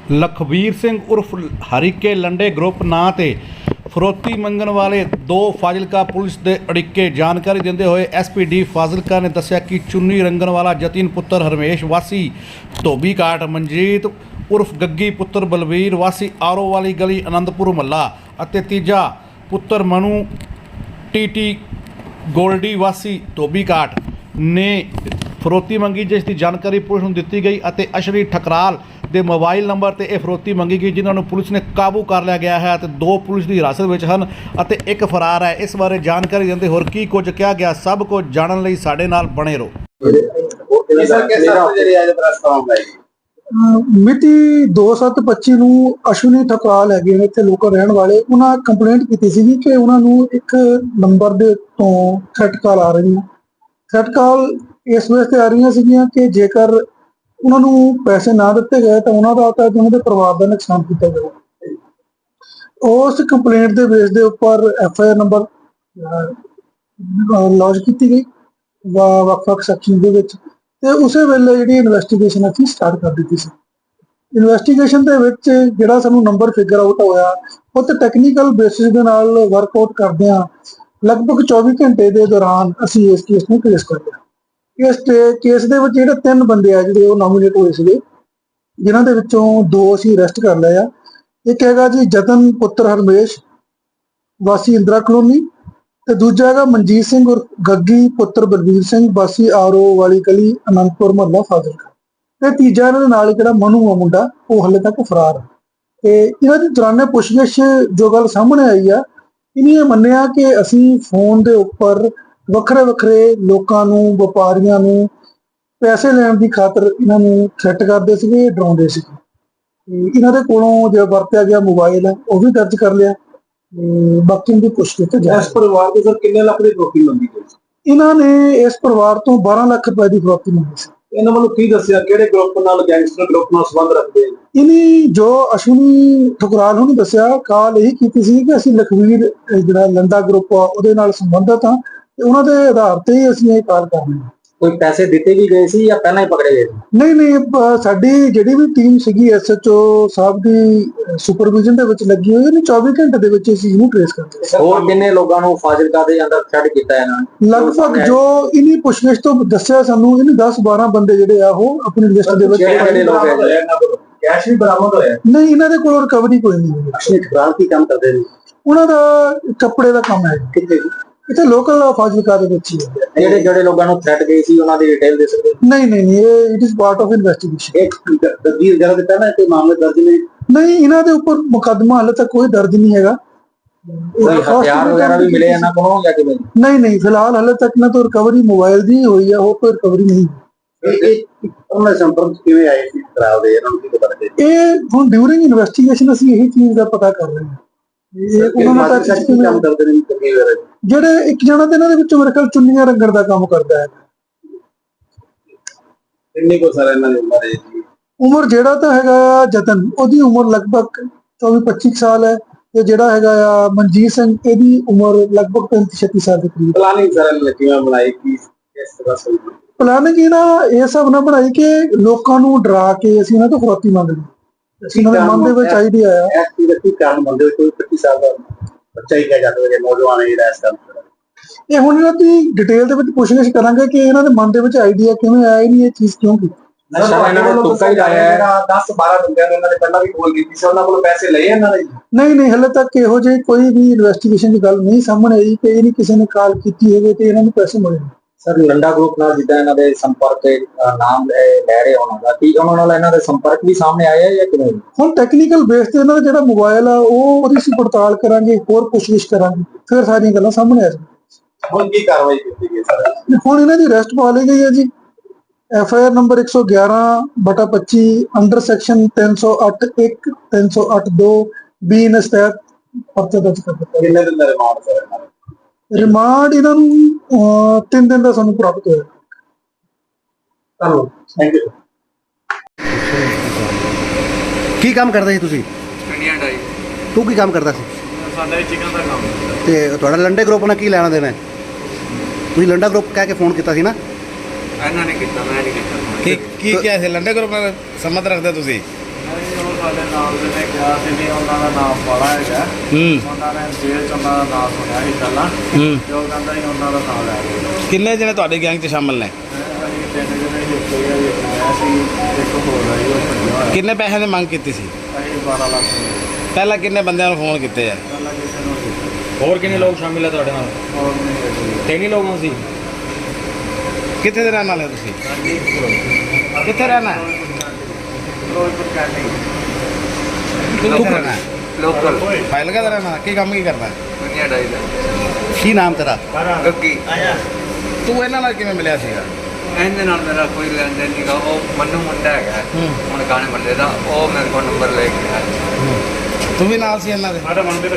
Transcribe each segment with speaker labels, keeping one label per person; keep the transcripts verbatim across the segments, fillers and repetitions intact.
Speaker 1: ਲਖਬੀਰ ਸਿੰਘ ਉਰਫ ਹਰੀਕੇ ਲੰਡੇ ਗਰੁੱਪ ਨਾਂ ਤੇ ਫਰੋਤੀ ਮੰਗਣ ਵਾਲੇ ਦੋ ਫਾਜ਼ਿਲਕਾ ਪੁਲਿਸ ਦੇ ਅੜਿੱਕੇ ਜਾਣਕਾਰੀ ਦਿੰਦੇ ਹੋਏ ਐਸ ਪੀ ਡੀ ਫਾਜ਼ਿਲਕਾ ਨੇ ਦੱਸਿਆ ਕਿ ਚੁੰਨੀ ਰੰਗਣ ਵਾਲਾ ਜਤਿਨ ਪੁੱਤਰ ਹਰਮੇਸ਼ ਵਾਸੀ ਧੋਬੀ ਘਾਟ, ਮਨਜੀਤ ਉਰਫ ਗੱਗੀ ਪੁੱਤਰ ਬਲਵੀਰ ਵਾਸੀ ਆਰੋ ਵਾਲੀ ਗਲੀ ਆਨੰਦਪੁਰ ਮਹੱਲਾ ਅਤੇ ਤੀਜਾ ਪੁੱਤਰ ਮਨੂ ਟੀਟੀ ਗੋਲਡੀ ਵਾਸੀ ਧੋਬੀ ਘਾਟ ਨੇ ਫਰੋਤੀ ਮੰਗੀ, ਜਿਸ ਦੀ ਜਾਣਕਾਰੀ ਪੁਲਿਸ ਨੂੰ ਦਿੱਤੀ ਗਈ ਅਤੇ ਅਸ਼ਰੀ ਠਕਰਾਲ ਦੇ ਮੋਬਾਈਲ ਨੰਬਰ ਤੇ ਇਹ ਫਰੋਤੀ ਮੰਗੀ ਗਈ, ਜਿਨ੍ਹਾਂ ਨੂੰ ਪੁਲਿਸ ਨੇ ਕਾਬੂ ਕਰ ਲਿਆ ਗਿਆ ਹੈ ਅਤੇ ਦੋ ਪੁਲਿਸ ਦੀ ਹਿਰਾਸਤ ਵਿੱਚ ਹਨ ਅਤੇ ਇੱਕ ਫਰਾਰ ਹੈ। ਇਸ ਬਾਰੇ ਜਾਣਕਾਰੀ ਦਿੰਦੇ ਹੋਰ ਕੀ ਕੁਝ ਕਿਹਾ ਗਿਆ, ਸਭ ਕੁਝ ਜਾਣਨ ਲਈ ਸਾਡੇ ਨਾਲ ਬਣੇ ਰਹੋ।
Speaker 2: ਮਿਤੀ ਦੋ ਸੱਤ ਪੱਚੀ ਨੂੰ ਅਸ਼ਵਨੀ ਠਕਰਾਲ ਹੈਗੇ ਨੇ ਇੱਥੇ ਲੋਕਲ ਰਹਿਣ ਵਾਲੇ, ਉਹਨਾਂ ਕੰਪਲੇਂਟ ਕੀਤੀ ਸੀ ਕਿ ਉਹਨਾਂ ਨੂੰ ਇੱਕ ਨੰਬਰ ਦੇ ਤੋਂ ਥ੍ਰੈਟ ਕਾਲ ਆ ਰਹੀ ਹੈ। ਥ੍ਰੈਟ ਕਾਲ ਇਸ ਵੇਸ ਤੇ ਆ ਰਹੀਆਂ ਸੀਗੀਆਂ ਕਿ ਜੇਕਰ ਉਹਨਾਂ ਨੂੰ ਪੈਸੇ ਨਾ ਦਿੱਤੇ ਗਏ ਤਾਂ ਉਹਨਾਂ ਦਾ ਤਾਂ ਉਹਨਾਂ ਦੇ ਪਰਿਵਾਰ ਦਾ ਨੁਕਸਾਨ ਕੀਤਾ ਜਾਊਗਾ। ਉਸ ਕੰਪਲੇਂਟ ਦੇ ਬੇਸ ਦੇ ਉੱਪਰ F I R number launch ਕੀਤੀ ਗਈ ਵੱਖ-ਵੱਖ ਸੈਕਸ਼ਨ ਦੇ ਵਿੱਚ, ਤੇ ਉਸੇ ਵੇਲੇ ਜਿਹੜੀ ਇਨਵੈਸਟੀਗੇਸ਼ਨ ਅਸੀਂ ਸਟਾਰਟ ਕਰ ਦਿੱਤੀ ਸੀ। ਇਨਵੈਸਟੀਗੇਸ਼ਨ ਦੇ ਵਿੱਚ ਜਿਹੜਾ ਸਾਨੂੰ ਨੰਬਰ ਫਿਗਰ ਆਊਟ ਹੋਇਆ, ਉਹ ਤੇ ਟੈਕਨੀਕਲ ਬੇਸਿਸ ਦੇ ਨਾਲ ਵਰਕਆਊਟ ਕਰਦੇ ਹਾਂ ਲਗਭਗ ਚੌਵੀ ਘੰਟੇ ਦੇ ਦੌਰਾਨ ਅਸੀਂ ਇਸ ਕੇਸ ਨੂੰ ਟ੍ਰੇਸ ਕਰ ਲਿਆ। ਇਸ ਕੇਸ ਦੇ ਵਿੱਚ ਜਿਹੜੇ ਤਿੰਨ ਬੰਦੇ ਆ ਜਿਹੜੇ ਉਹ ਨੋਮੀਨੇਟ ਹੋਏ ਸੀਗੇ, ਜਿਨ੍ਹਾਂ ਦੇ ਵਿੱਚੋਂ ਦੋ ਅਸੀਂ ਅਰੈਸਟ ਕਰ ਲਏ ਆ। ਇੱਕ ਹੈਗਾ ਜੀ ਜਤਨ ਪੁੱਤਰ ਹਰਮੇਸ਼ ਵਾਸੀ ਇੰਦਰਾ ਕਲੋਨੀ, ਤੇ ਦੂਜਾ ਹੈਗਾ ਮਨਜੀਤ ਸਿੰਘ ਉਰ ਗੱਗੀ ਪੁੱਤਰ ਬਲਵੀਰ ਸਿੰਘ ਵਾਸੀ ਆਰੋ ਵਾਲੀ ਗਲੀ ਆਨੰਦਪੁਰ ਮਹੱਲਾ ਫਾਜ਼ਿਲਕਾ, ਤੇ ਤੀਜਾ ਇਹਨਾਂ ਦੇ ਨਾਲ ਜਿਹੜਾ ਮਨੂ ਆ ਮੁੰਡਾ, ਉਹ ਹਾਲੇ ਤੱਕ ਫਰਾਰ ਹੈ। ਤੇ ਇਹਨਾਂ ਦੀ ਦੌਰਾਨੇ ਪੁੱਛਗਿੱਛ ਜੋ ਗੱਲ ਸਾਹਮਣੇ ਆਈ ਆ, ਇਹਨੇ ਮੰਨਿਆ ਕਿ ਅਸੀਂ ਫੋਨ ਦੇ ਉੱਪਰ ਵੱਖਰੇ ਵੱਖਰੇ ਲੋਕਾਂ ਨੂੰ, ਵਪਾਰੀਆਂ ਨੂੰ ਪੈਸੇ ਲੈਣ ਦੀ ਖਾਤਰ ਇਹਨਾਂ ਨੂੰ ਥ੍ਰੈਟ ਕਰਦੇ ਸੀਗੇ, ਡਰਾਉਂਦੇ ਸੀਗੇ। ਇਹਨਾਂ ਦੇ ਕੋਲੋਂ ਜੋ ਵਰਤਿਆ ਗਿਆ ਮੋਬਾਈਲ ਹੈ ਉਹ ਵੀ ਦਰਜ ਕਰ ਲਿਆ। ਬਾਕੀ ਦੀ ਪੁੱਛਗਿੱਛ ਤੇ
Speaker 3: ਇਸ ਪਰਿਵਾਰ ਤੋਂ ਸਰ ਕਿੰਨੇ ਲੱਖ ਦੀ ਫਰੋਤੀ ਮੰਗੀ ਗਈ ਸੀ?
Speaker 2: ਇਹਨਾਂ ਨੇ ਇਸ ਪਰਿਵਾਰ ਤੋਂ ਬਾਰਾਂ ਲੱਖ ਰੁਪਏ ਦੀ ਫਰੋਤੀ ਮੰਗੀ ਸੀ।
Speaker 3: ਇਹਨਾਂ ਵੱਲੋਂ ਕੀ ਦੱਸਿਆ, ਕਿਹੜੇ ਗਰੁੱਪ ਨਾਲ, ਗੈਂਗਸਟਰ ਗਰੁੱਪ ਨਾਲ ਸੰਬੰਧ ਰੱਖਦੇ?
Speaker 2: ਇਹਨੇ ਜੋ ਅਸ਼ਵਨੀ ਠਕਰਾਲ ਨੂੰ ਦੱਸਿਆ, ਕਾਲ ਇਹੀ ਕੀਤੀ ਸੀ ਕਿ ਅਸੀਂ ਲਖਵੀਰ ਜਿਹੜਾ ਲੰਡਾ ਗਰੁੱਪ ਆ ਉਹਦੇ ਨਾਲ ਸੰਬੰਧਿਤ ਹਾਂ, ਤੇ ਉਹਨਾਂ ਦੇ ਆਧਾਰ ਤੇ ਹੀ ਅਸੀਂ ਇਹ ਕਾਲ ਕਰਨੀ ਹੈ।
Speaker 3: ਕੋਈ ਪੈਸੇ ਦਿੱਤੇ ਵੀ ਗਏ ਸੀ ਜਾਂ ਪਹਿਲਾਂ ਹੀ ਪਕੜੇ ਗਏ?
Speaker 2: ਨਹੀਂ ਨਹੀਂ, ਸਾਡੀ ਜਿਹੜੀ ਵੀ ਟੀਮ ਸੀਗੀ ਐਸ ਐਚ ਓ ਸਾਹਿਬ ਦੀ ਸੁਪਰਵਿਜ਼ਨ ਦੇ ਵਿੱਚ ਲੱਗੀ ਹੋਈ ਹੈ, ਚੌਵੀ ਘੰਟੇ ਦੇ ਵਿੱਚ ਇਸ ਚੀਜ਼ ਨੂੰ ਟ੍ਰੇਸ ਕਰਦੇ।
Speaker 3: ਹੋਰ ਕਿੰਨੇ ਲੋਕਾਂ ਨੂੰ ਫਾਜ਼ਿਲਕਾ ਦੇ ਅੰਦਰ ਥ੍ਰੈਟ ਕੀਤਾ ਇਹਨਾਂ ਨੇ?
Speaker 2: ਲਗਭਗ ਜੋ ਇਹਨੀ ਪੁੱਛਗਿੱਛ ਤੋਂ ਦੱਸਿਆ ਸਾਨੂੰ, ਇਹਨੇ ਦਸ ਬਾਰਾਂ ਬੰਦੇ ਜਿਹੜੇ ਆ ਉਹ ਆਪਣੀ ਲਿਸਟ ਦੇ ਵਿੱਚ।
Speaker 3: ਕੈਸ਼ ਵੀ ਬਰਾਮਦ ਹੋਇਆ?
Speaker 2: ਨਹੀਂ, ਇਹਨਾਂ ਦੇ ਕੋਲ ਰਿਕਵਰੀ ਕੋਈ ਨਹੀਂ ਹੋਈ।
Speaker 3: ਅਸ਼ਵਨੀ ਠਕਰਾਲ ਕੀ ਕੰਮ ਕਰਦੇ ਨੇ?
Speaker 2: ਉਹਨਾਂ ਦਾ ਕੱਪੜੇ ਦਾ ਕੰਮ ਹੈ।
Speaker 3: ਕਿੱਥੇ?
Speaker 2: ਇੱਥੇ ਲੋਕਲ ਫਾਜ਼ਿਲਕਾ ਦੇ ਵਿੱਚ ਹੀ ਹੈ।
Speaker 3: ਜਿਹੜੇ ਜਿਹੜੇ ਲੋਕਾਂ ਨੂੰ ਥ੍ਰੈਟ ਗਈ ਸੀ ਉਹਨਾਂ ਦੀ ਡਿਟੇਲ ਦੇ ਸਕਦੇ?
Speaker 2: ਨਹੀਂ ਨਹੀਂ ਨਹੀਂ, ਇਹ it is part of investigation.
Speaker 3: ਇੱਕ ਤਸਦੀਰ ਜਰਾ ਦਿੱਤਾ ਨਾ ਕਿ ਮਾਮਲੇ ਦਰਜ ਨੇ?
Speaker 2: ਨਹੀਂ, ਇਹਨਾਂ ਦੇ ਉੱਪਰ ਮੁਕੱਦਮਾ ਹਾਲੇ ਤੱਕ ਕੋਈ ਦਰਜ ਨਹੀਂ ਹੈਗਾ।
Speaker 3: ਕੋਈ ਹਥਿਆਰ ਵਗੈਰਾ ਵੀ ਮਿਲੇ ਇਹਨਾਂ ਕੋਲੋਂ ਜਾਂ ਕਿਵੇਂ?
Speaker 2: ਨਹੀਂ ਨਹੀਂ, ਫਿਲਹਾਲ ਹਾਲੇ ਤੱਕ ਨਾ ਤਾਂ ਰਿਕਵਰੀ ਮੋਬਾਈਲ ਦੀ ਹੋਈ ਹੈ, ਹੋਰ ਕੋਈ ਰਿਕਵਰੀ ਨਹੀਂ।
Speaker 3: ਇਹ ਉਹਨਾਂ ਦੇ ਸੰਪਰਕ ਕਿਵੇਂ ਆਏ ਸੀ ਖਰਾਬ ਦੇ, ਇਹਨਾਂ ਨੂੰ ਕੀ ਪਤਾ ਲੱਗੇ?
Speaker 2: ਇਹ ਹੁਣ ਡਿਊਰਿੰਗ ਇਨਵੈਸਟੀਗੇਸ਼ਨ ਅਸੀਂ ਇਹੀ ਚੀਜ਼ ਦਾ ਪਤਾ ਕਰ ਰਹੇ ਹਾਂ। ਉਹਨਾਂ ਨਾਲ ਤਾਂ
Speaker 3: ਕੰਮ ਕਰਦੇ ਨੇ
Speaker 2: ਜਿਹੜੇ ਇੱਕ ਜਣਾ ਤੇ ਇਹਨਾਂ ਦੇ ਵਿੱਚੋਂ ਮੇਰੇ ਖਿਆਲ ਚੁੰਨੀਆਂ ਰੰਗਣ ਦਾ ਕੰਮ ਕਰਦਾ ਹੈ।
Speaker 3: ਕਿੰਨੀ ਕੋ ਸਾਰਾ ਇਹਨਾਂ ਦੀ ਉਮਰ ਹੈ ਜੀ?
Speaker 2: ਉਮਰ ਜਿਹੜਾ ਤਾਂ ਹੈਗਾ ਜਤਨ, ਉਹਦੀ ਉਮਰ ਲਗਭਗ ਚੌਵੀ ਪੱਚੀ ਸਾਲ ਹੈ, ਤੇ ਜਿਹੜਾ ਹੈਗਾ ਆ ਮਨਜੀਤ ਸਿੰਘ, ਇਹਦੀ ਉਮਰ ਲਗਭਗ ਪੈਂਤੀ ਛੱਤੀ ਸਾਲ ਦੇ ਕਰੀਬ।
Speaker 3: ਪਲਾਨਿੰਗ ਸਾਰਾ ਕਿਵੇਂ ਬਣਾਈ, ਕੀ ਇਸ ਤਰ੍ਹਾਂ ਸਹੀ
Speaker 2: ਪਲਾਨਿੰਗ ਇਹ ਨਾ ਇਹ ਹਿਸਾਬ ਨਾਲ ਬਣਾਈ ਕਿ ਲੋਕਾਂ ਨੂੰ ਡਰਾ ਕੇ ਅਸੀਂ ਇਹਨਾਂ ਤੋਂ ਫਰੋਤੀ ਮੰਗਣੀ। ਇਹਨਾਂ ਦੇ ਮਨ ਦੇ ਵਿੱਚ ਆਈਡੀਆ ਆਇਆ
Speaker 3: ਕੀ ਕਾਰਨ ਬੰਦੇ ਕੋਈ ਪੱਚੀ ਸਾਲ ਦਾ ਬੱਚਾ ਹੀ ਕਹਿ ਜਾਂਦਾ ਹੈ ਨੌਜਵਾਨ ਹੀ ਰਹਿ ਸਕਦਾ।
Speaker 2: ਇਹ ਹੁਣ ਇਹਨਾਂ ਦੀ ਡਿਟੇਲ ਦੇ ਵਿੱਚ ਪੁੱਛਗਿੱਛ ਕਰਾਂਗੇ ਕਿ ਇਹਨਾਂ ਦੇ ਮਨ ਦੇ ਵਿੱਚ ਆਈਡੀਆ ਕਿਵੇਂ ਆਇਆ, ਨਹੀਂ ਇਹ ਚੀਜ਼ ਕਿਉਂ ਕੀਤੀ।
Speaker 3: ਨਸ਼ਾ ਇਹਨਾਂ ਨੇ ਤੁੱਕਾ ਹੀ ਲਾਇਆ ਹੈ। ਦਸ ਬਾਰਾਂ ਬੰਦਿਆਂ ਨੇ ਇਹਨਾਂ ਨੇ ਪਹਿਲਾਂ ਵੀ ਕੋਲ ਕੀਤੀ ਸੀ, ਉਹਨਾਂ ਕੋਲ ਪੈਸੇ ਲਏ ਇਹਨਾਂ ਨੇ?
Speaker 2: ਨਹੀਂ ਨਹੀਂ, ਹਲੇ ਤੱਕ ਇਹੋ ਜਿਹੀ ਕੋਈ ਵੀ ਇਨਵੈਸਟੀਗੇਸ਼ਨ ਦੀ ਗੱਲ ਨਹੀਂ ਸਾਹਮਣੇ ਆਈ ਕਿ ਇਹ ਨਹੀਂ ਕਿਸੇ ਨੇ ਕਾਲ ਕੀਤੀ ਹੋਵੇ ਤੇ ਇਹਨਾਂ ਨੂੰ ਪੈਸੇ ਮਿਲੇ।
Speaker 3: ਸਰ ਲੰਡਾ ਗਰੁੱਪ ਨਾਲ ਜਿੱਦਾਂ ਇਹਨਾਂ ਦੇ ਸੰਪਰਕ ਨਾਮ ਲੈ ਰਹੇ ਉਹਨਾਂ ਦਾ, ਕੀ ਉਹਨਾਂ ਨਾਲ ਇਹਨਾਂ ਦੇ ਸੰਪਰਕ ਵੀ ਸਾਹਮਣੇ ਆਇਆ ਜਾਂ ਕਿਵੇਂ? ਹੁਣ
Speaker 2: ਟੈਕਨੀਕਲ ਬੇਸ ਤੇ ਇਹਨਾਂ ਦਾ ਜਿਹੜਾ ਮੋਬਾਈਲ ਆ ਉਹ ਉਹਦੀ ਅਸੀਂ ਪੜਤਾਲ ਕਰਾਂਗੇ, ਹੋਰ ਪੁੱਛਗਿੱਛ ਕਰਾਂਗੇ, ਫਿਰ ਸਾਰੀਆਂ ਗੱਲਾਂ ਸਾਹਮਣੇ ਆ ਜਾਣਗੀਆਂ।
Speaker 3: ਹੁਣ ਕੀ ਕਾਰਵਾਈ ਕੀਤੀ ਗਈ ਸਰ?
Speaker 2: ਹੁਣ ਇਹਨਾਂ ਦੀ ਅਰੈਸਟ ਪਾ ਲਈ ਗਈ ਹੈ ਜੀ। ਐਫ ਆਈ ਆਰ ਨੰਬਰ ਇੱਕ ਸੌ ਗਿਆਰਾਂ ਬਟਾ ਪੱਚੀ ਅੰਡਰ ਸੈਕਸ਼ਨ ਤਿੰਨ ਸੌ ਅੱਠ ਇੱਕ ਤਿੰਨ ਸੌ ਅੱਠ ਦੋ ਬੀ ਇਨ ਤਹਿਤ ਪਰਚਾ ਦਰਜ ਕਰ ਦਿੱਤਾ।
Speaker 3: ਕਿੰਨੇ ਦਿਨ ਦਾ ਰਿਮਾਂਡ ਸਰ ਇਹਨਾਂ ਦਾ?
Speaker 2: ਰਿਮਾਂਡ ਇਹਨਾਂ ਨੂੰ ਤਿੰਨ ਦਿਨ ਦਾ ਸਾਨੂੰ ਪ੍ਰਾਪਤ ਹੋਇਆ।
Speaker 3: ਧੰਨਵਾਦ, ਥੈਂਕ ਯੂ।
Speaker 1: ਕੀ ਕੰਮ ਕਰਦੇ ਸੀ ਤੁਸੀਂ?
Speaker 4: ਇੰਡੀਅਨ ਡਾਈ।
Speaker 1: ਤੂੰ ਕੀ ਕੰਮ ਕਰਦਾ ਸੀ?
Speaker 4: ਸਾਡਾ ਚਿਕਨ ਦਾ ਕੰਮ।
Speaker 1: ਤੇ ਤੁਹਾਡਾ ਲੰਡੇ ਗਰੁੱਪ ਨਾਲ ਕੀ ਲੈਣਾ ਦੇਣਾ? ਤੁਸੀਂ ਲੰਡਾ ਗਰੁੱਪ ਕਹਿ ਕੇ ਫੋਨ ਕੀਤਾ ਸੀ ਨਾ?
Speaker 4: ਇਹਨਾਂ ਨੇ ਕੀਤਾ, ਮੈਂ ਨਹੀਂ ਕੀਤਾ।
Speaker 5: ਕੀ ਕੀ ਕਿਹਾ ਸੀ? ਲੰਡੇ ਗਰੁੱਪ ਨਾਲ ਸੰਬੰਧ ਰੱਖਦੇ ਤੁਸੀਂ?
Speaker 4: ਸਾਡੇ ਨਾਲ ਦੇ ਨੇ ਕਿਹਾ ਸੀ ਵੀ ਉਹਨਾਂ ਦਾ ਨਾਮ ਬੜਾ ਹੈਗਾ
Speaker 5: ਹੂੰ
Speaker 4: ਉਹਨਾਂ ਨੇ ਜੇਲ੍ਹ ਚ ਉਹਨਾਂ ਦਾ ਨਾਮ ਸੁਣਿਆ ਸੀ ਪਹਿਲਾਂ
Speaker 5: ਹੂੰ
Speaker 4: ਤੇ ਉਹ ਕਹਿੰਦਾ ਸੀ ਉਹਨਾਂ ਦਾ ਨਾਮ ਲੈ ਗਏ
Speaker 5: ਕਿੰਨੇ ਜਣੇ ਤੁਹਾਡੇ ਗੈਂਗ 'ਚ ਸ਼ਾਮਲ ਨੇ?
Speaker 4: ਅਸੀਂ ਤਿੰਨ ਜਣੇ ਇੱਕ ਹੋਇਆ ਇੱਕ ਮੈਂ ਸੀ ਇੱਕ ਹੋਰ ਆਈ ਉਹ ਭੱਜਿਆ ਹੋਇਆ
Speaker 5: ਕਿੰਨੇ ਪੈਸੇ ਦੀ ਮੰਗ ਕੀਤੀ ਸੀ?
Speaker 4: ਅਸੀਂ ਬਾਰਾਂ ਲੱਖ ਰੁਪਏ
Speaker 5: ਪਹਿਲਾਂ ਕਿੰਨੇ ਬੰਦਿਆਂ ਨੂੰ ਫੋਨ ਕੀਤੇ ਆ?
Speaker 4: ਪਹਿਲਾਂ ਕਿਸੇ ਨੂੰ ਦਿੱਤੇ
Speaker 6: ਹੋਰ ਕਿੰਨੇ ਲੋਕ ਸ਼ਾਮਿਲ ਹੈ ਤੁਹਾਡੇ ਨਾਲ?
Speaker 4: ਹੋਰ ਨਹੀਂ ਹੈਗੀ
Speaker 6: ਤਿੰਨ ਹੀ ਲੋਕ ਸੀ।
Speaker 5: ਕਿੱਥੇ ਦੇ ਰਹਿਣ ਵਾਲੇ ਹੋ ਤੁਸੀਂ?
Speaker 4: ਹਾਂਜੀ ਫਿਰੋਜ਼ਪੁਰ
Speaker 5: ਕਿੱਥੇ ਰਹਿਣਾ ਹੈ?
Speaker 4: ਫਿਰੋਜ਼ਪੁਰ ਕਹਿੰਦੇ
Speaker 5: ਕਿੱਥੇ ਰਹਿਣਾ ਹੈ?
Speaker 4: ਲੋਕਲ
Speaker 5: ਫਾਈਲ ਕਾ ਰਹਿਣਾ? ਕੀ ਕੰਮ ਕੀ ਕਰਦਾ ਹੈ?
Speaker 4: ਦੁਨੀਆ ਡਾਈ ਦਾ
Speaker 1: ਕੀ ਨਾਮ ਤੇਰਾ?
Speaker 4: ਗੱਗੀ
Speaker 5: ਤੂੰ ਇਹਨਾਂ ਨਾਲ ਕਿਵੇਂ ਮਿਲਿਆ ਸੀਗਾ?
Speaker 4: ਇਹਦੇ ਨਾਲ ਮੇਰਾ ਕੋਈ ਲੈਣ ਦੇਣ ਨਹੀਂਗਾ ਉਹ ਮੰਨੂ ਮੁੰਡਾ ਹੈਗਾ
Speaker 5: ਹੂੰ
Speaker 4: ਹੁਣ ਗਾਣੇ ਮੱਲੇ ਦਾ ਉਹ ਮੇਰੇ ਕੋਲ ਨੰਬਰ ਲੈ ਕੇ ਆਇਆ
Speaker 5: ਤੂੰ भी नाल सी ਇਹਨਾਂ ਦੇ?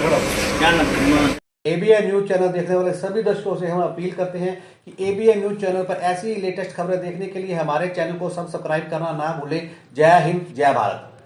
Speaker 1: एबीएन न्यूज चैनल देखने वाले सभी दर्शकों से हम अपील करते हैं कि एबीएन न्यूज चैनल पर ऐसी लेटेस्ट खबरें देखने के लिए हमारे चैनल को सब्सक्राइब करना ना भूलें। जय हिंद, जय भारत।